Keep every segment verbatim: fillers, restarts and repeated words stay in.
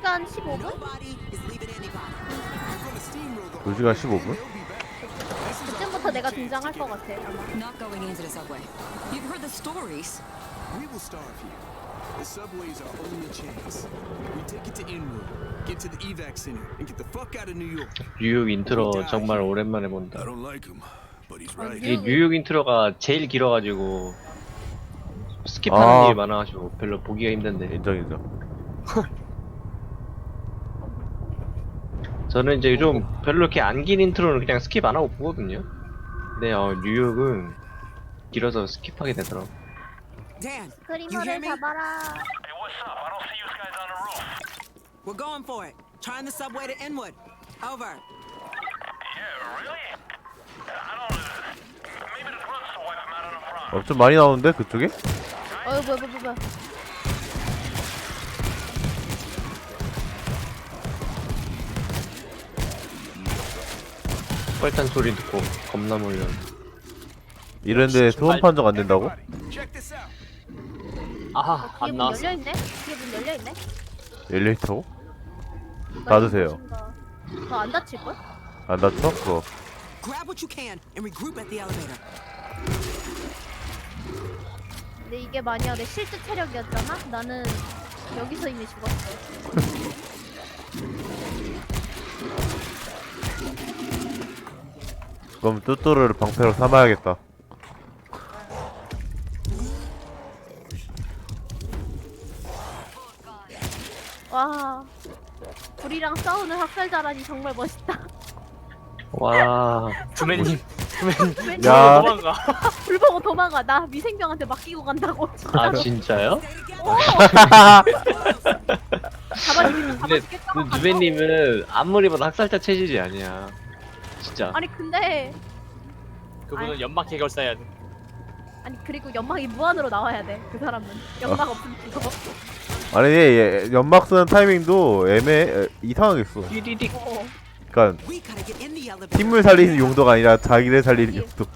시간 십오 분? 두 시간 십오 분? 그쯤부터 내가 등장할 것 같아 아마. Not going into the subway. You've heard the stories. We will starve here. The subway is our only chance. We take it to Inwood, get to the evac center, and get the fuck out of New York. 뉴욕 인트로 정말 오랜만에 본다. I don't like him, but he's right. 이 뉴욕 인트로가 제일 길어가지고 스킵하는 아. 일이 많아가지고 별로 보기가 힘든데. 인정 인정. 저는 이제 좀 별로 이렇게 안 긴 인트로는 그냥 스킵 안 하고 보거든요. 근데 어, 뉴욕은 길어서 스킵하게 되더라고. Dan, you hear 스크리머를 me? 잡아라. We're going for it. Trying the subway to Inwood. Over. 어, 좀 많이 나오는데 그쪽에? 어이 뭐야 뭐야 뭐야. 뻘탄 소리 듣고 겁나 몰려. 이런데 소음 판정 안 된다고? Check this out. 아하 뒤에 안 문 나왔어. 열려있네? 뒤에 문 열려있네? 엘리베이터고? 닫으세요. 너 안 다칠걸? 안 닫혀? 그거. Grab what you can and regroup at the elevator. 근데 이게 만약 내 실제 체력이었잖아? 나는 여기서 이미 죽었어. 그럼 뚜뚜를 방패로 삼아야겠다. 와, 불이랑 싸우는 학살자라니 정말 멋있다. 와, 두맨님 두맨 야. 도망가. 불 보고 도망가. 나 미생병한테 맡기고 간다고. 아 진짜요? 오! 잡아주겠다, 근데 잡아주겠다. 그 누베님은 아무리 봐도 학살자 체질이 아니야. 진짜. 아니 근데 그분은 연막 해결사야 돼. 아니 그리고 연막이 무한으로 나와야 돼. 그 사람은 연막 없으면 죽어. 아니 얘, 얘 연막 쓰는 타이밍도 애매 이상하게 써. 띠리릭. 어. 그러니까 We gotta get in the elevator. 팀을 살리는 용도가 아니라 자기를 살리는 예. 용도.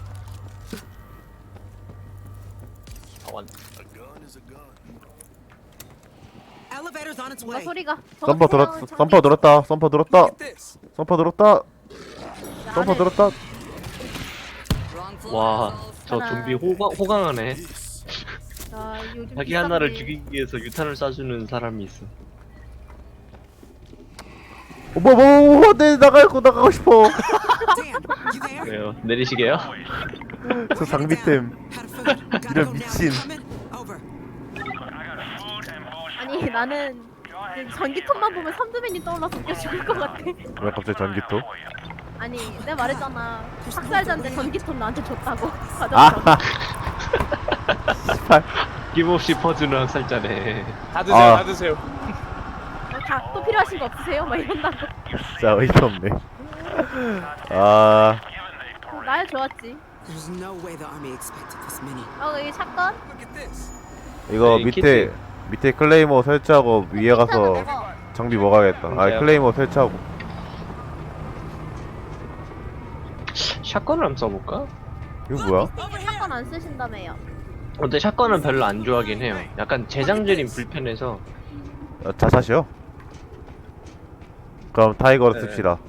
아, 완. A gun is a gun. Elevator's on its 뭔가 way. 소리가. 썸퍼 들었 저거 썸퍼 들었다. 썸퍼 들었다. Look at this. 썸퍼 들었다. 썸퍼 나는- 들었다. 와, 저 좀비 호강, 호강하네. 아, 요즘 자기 비싼 하나를 게- 죽이기 위해서 유탄을 쏴주는 사람이 있어. 어머 뭐, 내 나가고 나가고 싶어. Dan, you there? 왜요? 내리시게요? 저 장비템. How to food? Gotta 이런 go now. 미친. Coming? Over. 아니 나는 그 전기톱만 보면 삼두맨이 떠올라서 웃겨 죽을 것 같아. 왜 갑자기 전기톱? 아니 내가 말했잖아. 학살자인데 전기톱 나한테 줬다고. 아. 힘없이 퍼주는 학살자네. 다 드세요, 아. 다 드세요. 어, 다또 필요하신 거 없으세요? 막 이런다고. 진짜 어이가 없네. 아. 나야 좋았지. There's no way the army expected this many. 어 여기 샷건. Look at this. 이거 네, 밑에 키트. 밑에 클레이머 설치하고 위에 가서 먹어. 장비 먹어야겠다. 아 뭔데요? 클레이머 설치하고. 샷건을 한번 써볼까? 이거 뭐야? 샷건 안 쓰신다며요. 근데 샷건은 별로 안 좋아하긴 해요. 약간 재장전이 불편해서. 아, 자샷이요? 그럼 타이거로 네. 씁시다.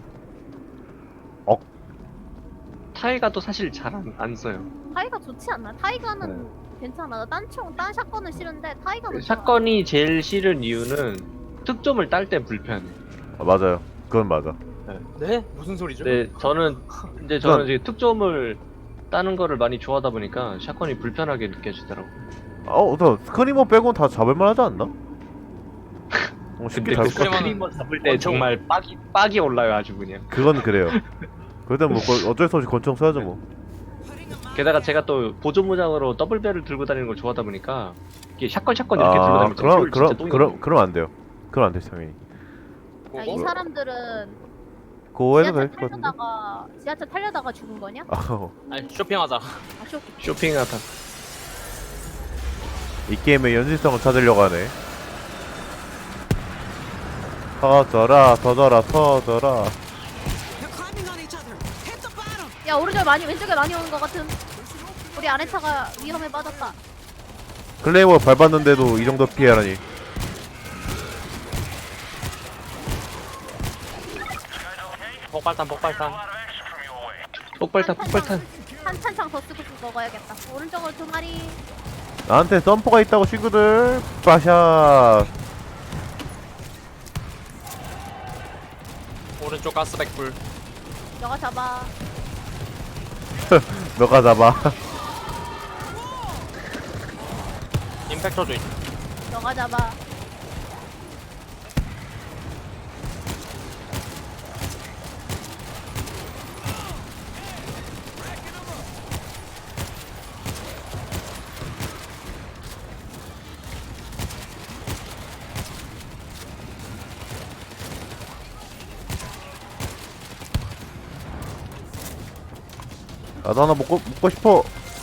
타이가도 사실 잘 안 안 써요. 타이가 좋지 않나? 타이가는 괜찮아. 딴총 딴 샷건은 싫은데 타이가는 좋아. 샷건이 제일 싫은 이유는 특점을 딸 때 불편해. 아, 맞아요. 그건 맞아. 네? 무슨 소리죠? 근데 저는 근데 저는 이제 특점을 따는 거를 많이 좋아하다 보니까 샷건이 불편하게 느껴지더라고. 어, 나 스크리머 빼곤 다 잡을만 하지 않나? 어, 쉽게 근데 잡을 그 것 같아. 스크리머 잡을 때 권총. 정말 빡이 빡이 올라요 아주 그냥. 그건 그래요. 그래도 뭐 거- 어쩔 수 없이 권총 써야죠 뭐. 게다가 제가 또 보조 무장으로 더블 배를 들고 다니는 걸 좋아하다 보니까 이게 샷건 샷건 이렇게 들고 아, 다니면 그럼 진짜 그럼 똥이 그럼 나요. 그럼 안 돼요. 그럼 안 돼, 당연히. 야, 이 사람들은 그거 해도 지하철 될 것 같은데. 타려다가 지하철 타려다가 죽은 거냐? 아, 어. 아니 쇼핑하자. 아 쇼. 쇼핑하다. 이 게임의 연실성을 찾으려고 하네. 터져라, 터져라, 터져라. They're climbing on each other. Hit the bottom. 야 오른쪽 많이 왼쪽에 많이 오는 것 같은. 우리 아래 차가 위험에 빠졌다. 클레이머 밟았는데도 이 정도 피해라니. 폭발탄 폭발탄. 폭발탄 폭발탄. 한 탄창 더 쓰고 먹어야겠다. 오른쪽으로 두 마리. 나한테 점퍼가 있다고 친구들. 빠샷. 오른쪽 가스백 불. 너가 잡아. 너가 잡아. 임팩터 주인. 너가 잡아. 나도 하나 먹고 먹고 싶어.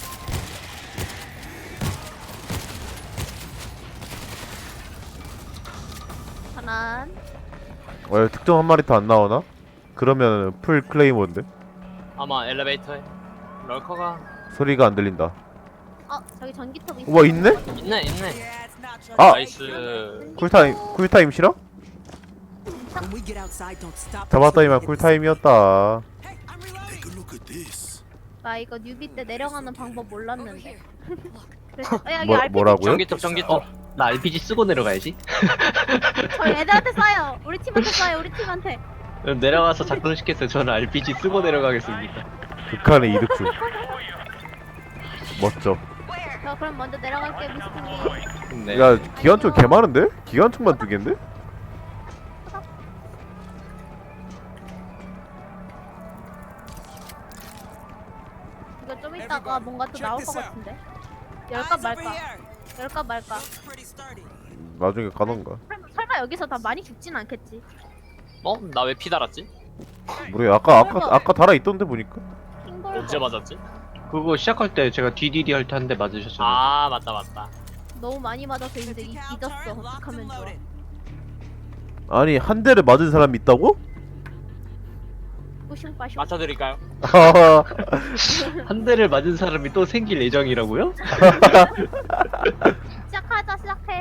하나. 왜 특정 한 마리 더 안 나오나? 그러면 풀 클레이머인데 아마 엘리베이터에. 럴커가 소리가 안 들린다. 어 저기 전기톱 있어. 우와 있네? 있네 있네. 아 나이스. 쿨타임 쿨타임 싫어? When we get outside, don't stop. 잡았더니만 쿨타임이었다. Hey, I'm reloading. Take a look at this. 나 이거 뉴비 때 내려가는 방법 몰랐는데. 그래서 어, 여기 뭐, 알피지 뭐라고요? 전기톱 전기톱. 어, 나 알피지 쓰고 내려가야지. 저희 애들한테 쏴요. 우리 팀한테 쏴요. 우리 팀한테. 그럼 내려가서 작동시켰어요. 저는 알피지 쓰고 내려가겠습니다. 극한의 이득주. 멋져. 저 그럼 먼저 내려갈게 미스팅님. 네. 야 기관총 개 많은데? 기관총만 두 개인데? 이거 좀 이따가 뭔가 또 나올 것 같은데. 열까 Eyes over 말까? here. 열까 말까? Looks pretty sturdy. 나중에 가던가. 설마, 설마 여기서 다 많이 죽진 않겠지? 어? 나 왜 피 달았지? 모르겠. 아까 아까 아까 달아 있던데 보니까. 킹볼. 언제 맞았지? 그거 시작할 때 제가 디디디 할 때 한 대 맞으셨잖아요. 아 맞다 맞다. 너무 많이 맞아서 이제 이- Decal 잊었어. turret locked 어떡하면 and 좋아. loaded. 아니 한 대를 맞은 사람이 있다고? 뿌슝빠슝. 맞춰드릴까요? 한 대를 맞은 사람이 또 생길 예정이라고요? 시작하자 시작해.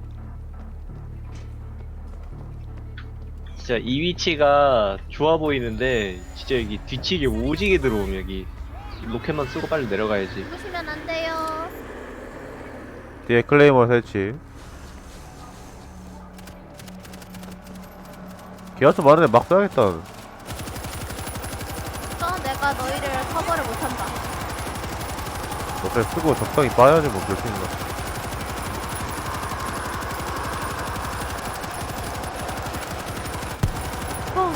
진짜 이 위치가 좋아 보이는데 진짜 여기 뒤치기 오지게 들어오면 여기 로켓만 쓰고 빨리 내려가야지. 죽으시면 안 돼요. 뒤에 클레이머 설치. 기관총 많은데 막 쏴야겠다. 또 내가 너희를 커버를 못한다. 로켓 쓰고 적당히 빠야지 뭐 그럴 수 있나. 펑.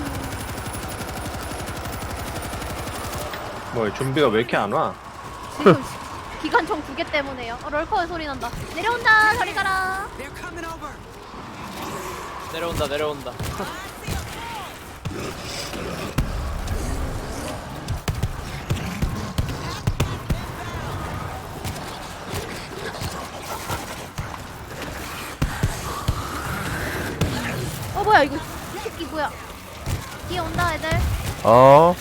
뭐 좀비가 왜 이렇게 안 와? 지금 기관총 두 개 때문에요. 어, 럴커의 소리 난다. 내려온다. 저리 가라. They're coming over. 내려온다 내려온다. 어 뭐야 이거 이 새끼 뭐야? 뒤에 온다 애들. 어.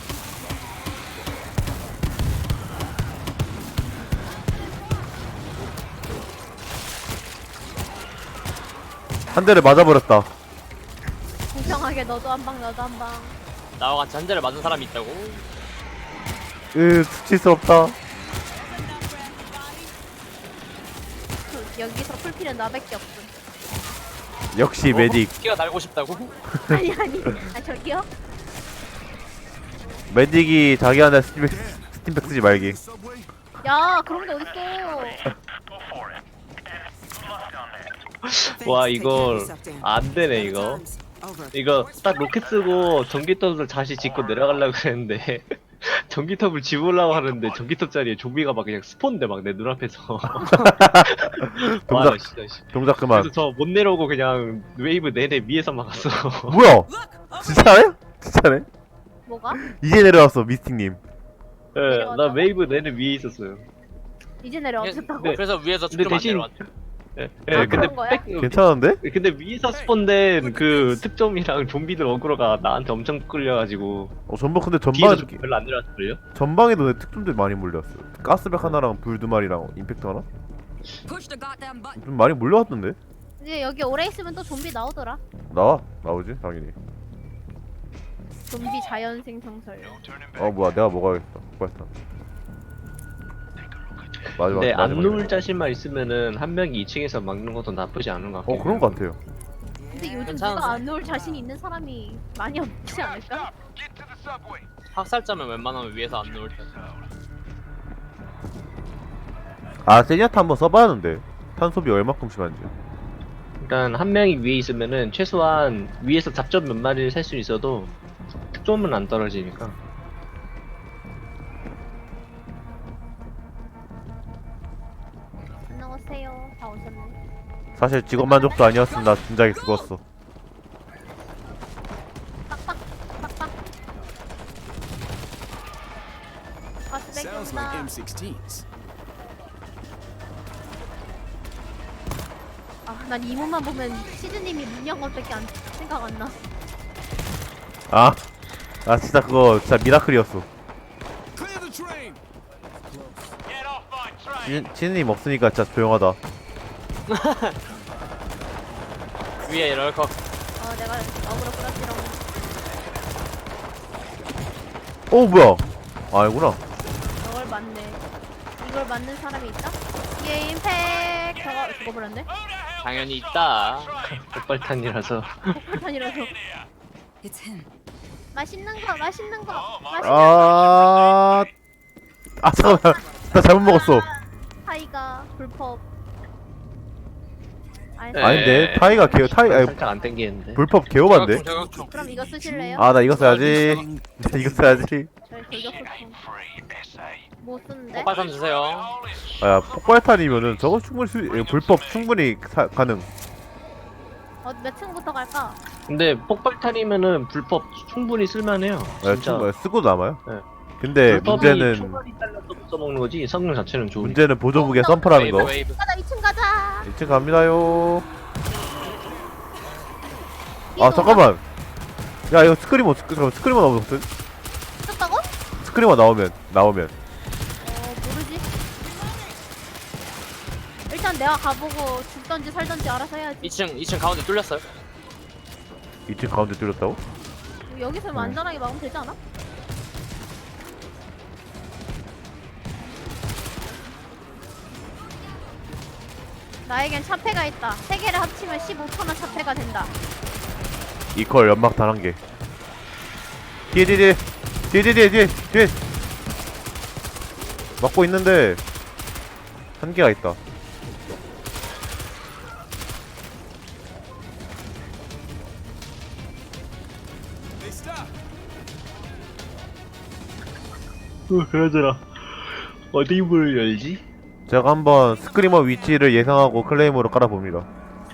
한 대를 맞아버렸다. 공평하게 너도 한 방 너도 한 방. 나와 같이 한 대를 맞은 사람이 있다고? 으, 스칠 수 없다. 그, 여기서 풀피는 나밖에 없음. 역시 메딕. 어? 끼가 날고 싶다고? 아니 아니. 아 저기요? 메딕이 자기한테 스팀백, 스팀백 쓰지 말기. Subway? 야 그런 게 어딨어? 와 Thanks, take care of 이걸 yourself, Dan. 안 되네 Better 이거. times. Over. 이거 딱 로켓 쓰고 전기톱을 다시 짓고 내려가려고 했는데 전기톱을 집으려고 하는데 전기톱 자리에 좀비가 막 그냥 스폰돼 막 내 눈앞에서. 와, 나 동작, 진짜 씨. 동작 그만. 그래서 저 못 내려오고 그냥 웨이브 내내 위에서 막았어. 뭐야? Look, over 진짜네? 진짜네? 뭐가? 이제 내려왔어, 미스팅님. 예, 나 웨이브 내내 위에 있었어요. 이제 내려왔다고? 네. 그래서 위에서 근데 축좀 안 대신- 내려왔대. 예, 아, 예, 근데 그런 거야? 백, 괜찮은데? 근데 위에서 스폰된 그 특점이랑 좀비들 어그로가 나한테 엄청 끌려가지고 어, 전방 근데 뒤에서 전방 좀 별로 안 내려왔을걸요? 전방에도 내 특종들 많이 몰렸어. 가스백 하나랑 불 두 마리랑 임팩트 하나? Push the goddamn button. 좀 많이 몰려왔던데? 이제 여기 오래 있으면 또 좀비 나오더라. 나와 나오지 당연히. 좀비 자연 생성설. 어 뭐야 내가 먹어야겠다. 빨리. 마지막. 근데 안 마지막이네. 누울 자신만 있으면은 한 명이 이 층에서 막는 것도 나쁘지 않은 것 같긴 어 그런 거 같아요. 근데 요즘 괜찮은데? 누가 안 놓을 자신이 있는 사람이 많이 없지 않을까? 학살자면 웬만하면 위에서 안 누울 때. 아 세니아타 한번 써봐야하는데 탄소비 얼마큼 심한지. 일단 한 명이 위에 있으면은 최소한 위에서 잡점 몇 마리를 살 수 있어도 특점은 안 떨어지니까. 안녕하세요. 다 오셨네. 사실 직업 만족도 아니었으면 나 진작에 죽었어. 빡빡 빡빡. 아 Sounds 쓰레기구나. like 엠 식스틴스. 아난 이모만 보면 시즈님이 문양 것밖에 안 생각 안 나. 아, 아 진짜 그거 진짜 미라클이었어. Clear the train. 진, 진님 없으니까 진짜 조용하다. 위에 럴커. 어 내가 어그로 끌었지롱. 어 뭐야? 아니구나. 저걸 맞네. 이걸 맞는 사람이 있다? 뒤에 임팩. 저거 죽어버렸네. 당연히 있다. 폭발탄이라서. 폭탄이라서. 맛있는 거, 맛있는 거, 맛있는 거. 아, 아 잠깐만, 나 잘못 먹었어. 타이가 불법. 아니, 네. 아닌데 타이가 개요 타이 아니, 살짝 안 땡기는데. 불법 개요반데. 저격총. 그럼 이거 쓰실래요? 아 나 이거 써야지. 나 이거 써야지. 저희 돌격소총. 못 쓰는데? 폭발탄 주세요. 아야 폭발탄이면은 저거 충분히 수, 예, 불법 충분히 사, 가능. 어, 몇 층부터 갈까? 근데 폭발탄이면은 불법 충분히 쓸만해요. 아, 진짜. 충분 쓰고 남아요. 네. 근데 불법이 문제는 총알이 잘라서 써먹는 거지 성능 자체는 좋으니까. 문제는 보조무게 썸프라는 웨이브 거. 웨이브. 가자, 이 층 가자! 이 층 갑니다요. 아 이거 잠깐만. 야 이거 스크리머 스크, 잠깐만, 스크리머 나오면 어떡해? 썼다고? 스크리머 나오면 나오면 어, 모르지. 일단 내가 가보고 죽던지 살던지 알아서 해야지. 이 층 이 층 가운데 뚫렸어요. 이 층 가운데 뚫렸다고? 여기서 안전하게 막으면 되지 않아? 나에겐 차폐가 있다. 세 개를 합치면 십오 퍼센트 차폐가 된다. 이퀄 연막탄 한 개. 뒤에 뒤에 뒤에 뒤에 뒤에 뒤에 뒤에 막고 있는데 한 개가 있다. They stop. 어, 그러더라. 어디 문을 열지? 제가 한번 스크리머 위치를 예상하고 클레임으로 깔아봅니다.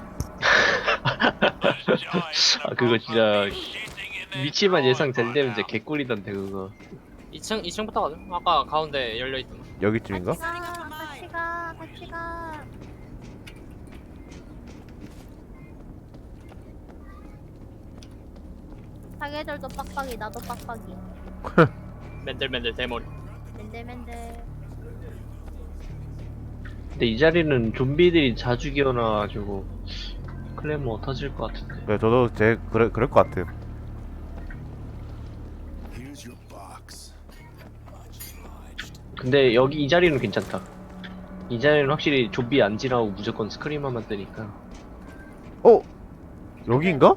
아 그거 진짜 위치만 예상 잘 되면 진짜 개꿀이던데 그거. 이 층 이 층부터 가자. 아까 가운데 열려 있던. 여기쯤인가? 같이 가, 같이 가, 같이 가. 사계절도 빡빡이, 나도 빡빡이. 맨들맨들 대머리. 맨들맨들. 근데 이 자리는 좀비들이 자주 기어나가지고 클레모 터질 것 같은데. 네, 저도 제 그래 그럴 것 같아요. Here's your box. 근데 여기 이 자리는 괜찮다. 이 자리는 확실히 좀비 안 지나고 무조건 스크리머만 뜨니까. 어? 여기인가?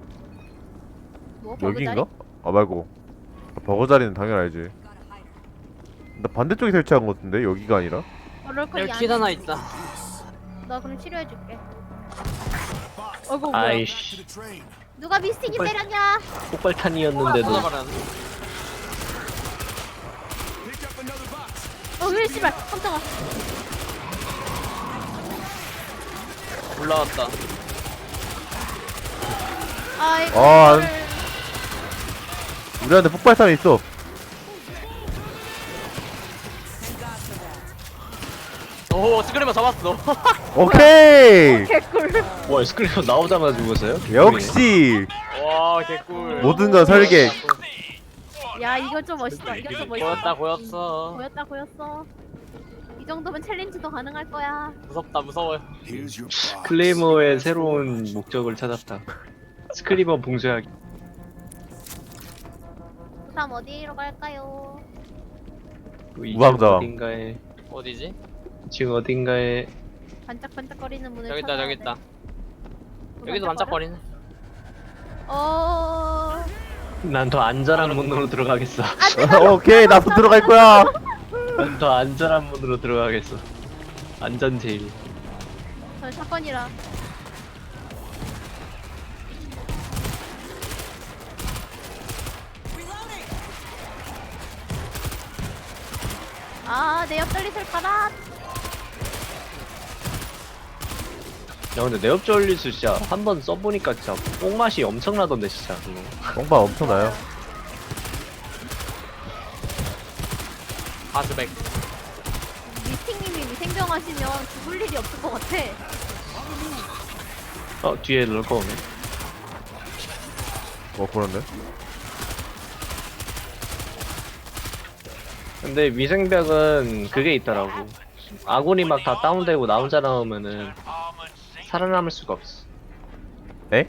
뭐? 여기인가? 아 말고 버거 자리는 당연히 알지. 나 반대쪽에 설치한 것 같은데 여기가 아니라? 럴커 여기 킷 하나 있다. 나 그럼 치료해줄게. 어이구 뭐야? 아이씨, To the train. 누가 미스틱이 빨리. 때렸냐? 폭발탄이었는데도. 쏟아버렸네. Pick up another box. 어, 왜 씨발 깜짝아. 올라왔다. 아이고. 아, 이거를- 우리한테 폭발탄이 있어. 오 스크리머 잡았어. 오케이. 개꿀. 와 스크리머 나오자마자 죽었어요? 역시 와 개꿀. 모든 건 설계. 야 이거 좀 멋있다. 이거 좀 멋있다. 보였다 보였어. 보였다 보였어. 이 정도면 챌린지도 가능할 거야. 무섭다 무서워요. Here's your box. 클레이머의 새로운 목적을 찾았다. 스크리머 봉쇄하기. 다음 어디로 갈까요? 그 이쪽 우왕좌왕. 어딘가에 어디지? 지금 어딘가에 반짝반짝거리는 문을 여기 있다 찾아야 여기 돼. 있다. 뭐 여기도 반짝거리네. 어. 난 더 안전한 문으로 들어가겠어. 오케이 나도 들어갈 거야. 난 더 안전한 문으로 들어가겠어. 안전 제일. 저 사건이라. 아, 내 옆돌리슬 가라. 야 근데 내 옆조 올리수 진짜 한 번 써보니까 진짜 뽕맛이 엄청나던데 진짜 그거. 똥방 엄청나요. 하스백. 미팅님이 생병하시면 죽을 일이 없을 것 같아. 어 뒤에 럴거 오네. 어 그런데. 근데 위생벽은 그게 있더라고. 아군이 막 다 다운되고 나 혼자 나오면은 살아남을 수가 없어. 에?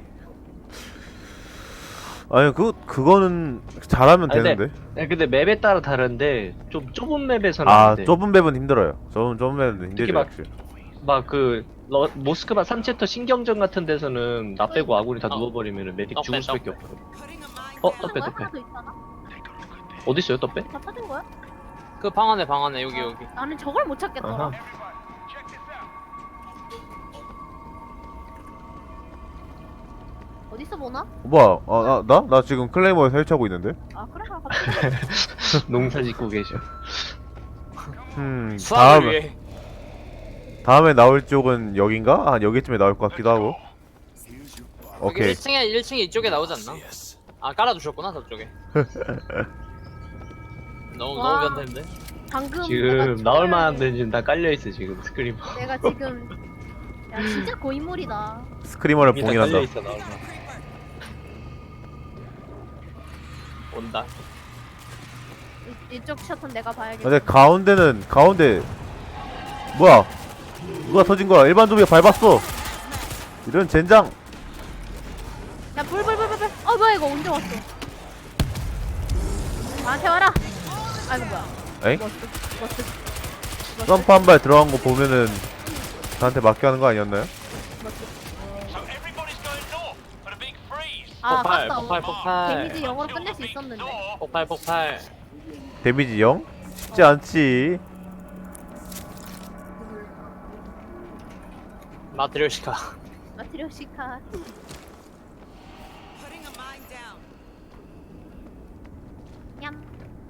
아니 그 그거는 잘하면 아니, 되는데. 네, 근데 맵에 따라 다른데 좀 좁은 맵에서는 아 안 돼. 좁은 맵은 힘들어요. 좁은 좁은 맵은 힘들죠. 특히 막- 역시. 막그 모스크바 삼 챕터 신경전 같은 데서는 나 빼고 아군이 다 어. 누워버리면은 메딕 떡배, 죽을 수밖에 떡배. 없거든. Putting a mine 어 down. 떡배 거야? 떡배. 하나 더 있잖아. 어디 있어요 떡배? 다 찾은 거야? 그 방 안에 방 안에 여기 여기. 나는 저걸 못 찾겠더라. 아하. 어디서 보나? 뭐야? 아, 나, 나? 나 지금 클레이머에 설치하고 있는데? 아 그래? 아, 갑자기. 농사 짓고 계셔. 음 수학을 다음에 위해. 다음에 나올 쪽은 여긴가? 한 여기쯤에 나올 것 같기도 하고. Here's your box. 여기 오케이. 일 층에 일 층에 이쪽에 나오지 않나? Yes. 아 깔아두셨구나 저쪽에. 너무 와. 너무 변태인데. 방금 지금 내가 나올 저걸- 만한 데는 지금 다 깔려 있어 지금 스크리머. 내가 지금 야 진짜 고인물이다. 스크리머를 이미 다 봉인한다. 깔려 있어 나올 만. 온다. 이, 이쪽 셔터는 내가 봐야겠다. 근데 가운데는 가운데 뭐야? 누가 터진 거야? 일반 좀비가 밟았어. 이런 젠장. 야 불불불불불. 어 뭐야 이거 언제 왔어? 나한테 와라. 아이고 뭐야. 에이? 머스 머스 머스 점프 한 발 들어간 거 보면은 나한테 맞게 하는 거 아니었나요? 머스. So everybody's going north for the big freeze. 아 폭발 아깝다. 폭발 폭발. 데미지 영어로 끝낼 수 있었는데. 폭발 폭발. 데미지 영? 쉽지 않지. 마트리오시카. 마트리오시카. Putting a mine down. 냠.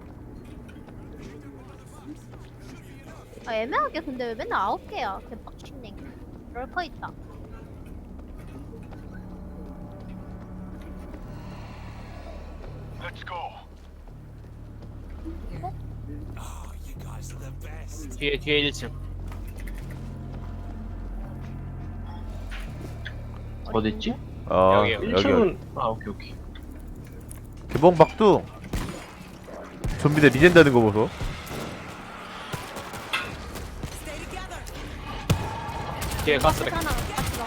아 애매하게 근데 왜 맨날 아홉 개야? 개빡치네. 럴커 있다. Let's go. Oh, you guys are the best. 뒤에 뒤에 일 층. 어딨지? 아 여기요. 여기 일 층은 아 오케이 오케이. 개봉 박두. 좀비들 리젠다는 거 보소. Stay together. 뒤에 가스백. 하나 가스가.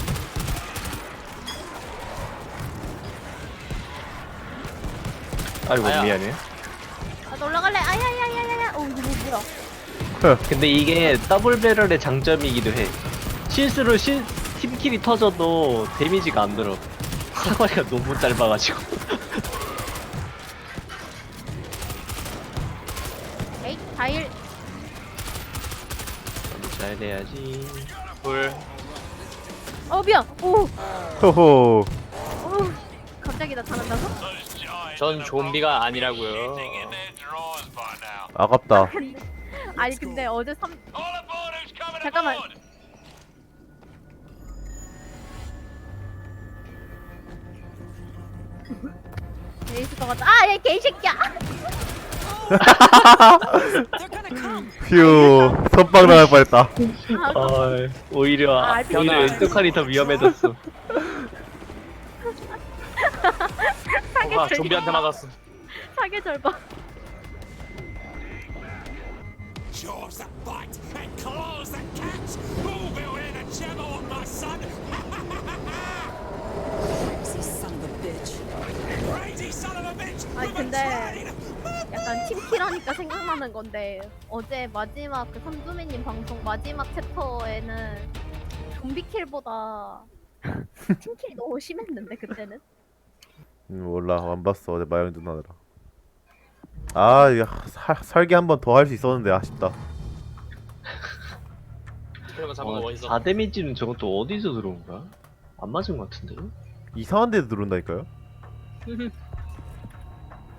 아이고 아야. 미안해. 아 올라갈래. 아야야야야야. 어 이거 뭐야? 근데 이게 더블 배럴의 장점이기도 해. 실수로 실 팀킬이 터져도 데미지가 안 들어. 사거리가 너무 짧아가지고. 에이 다일. 잘 돼야지. 불. 어 미안. 오. 호호. 오. 갑자기 나타난다고? Those giants 전 좀비가 아니라고요. sitting in their drawers by now. 아깝다. 근데 아니 근데 어제 삼 All aboard who's coming 잠깐만. aboard. 있을 것 같아. 아얘 개새끼야. They're gonna come. 휴 선빵 나갈 뻔했다. 어, 오히려 아, 알피오. 오히려 왼쪽칼이 더 위험해졌어. 사계 와 절. 좀비한테 맞았어. 사계 절반. Jaws that bite and claws that catch. Who will hear the gem of my son? Crazy son of a bitch. Crazy 아니 근데 약간 팀킬하니까 생각나는 건데 어제 마지막 그 삼두매님 방송 마지막 챕터에는 좀비킬보다 팀킬이 너무 심했는데 그때는. 음, 몰라 안 봤어 어제 마영 누나느라. 아 이거 살, 살기 한 번 더 할 수 있었는데 아쉽다. 그러면 잡은 거 어, 어디서? 사 데미지는 저건 또 어디서 들어온 거야? 안 맞은 것 같은데? 이상한 데도 들어온다니까요.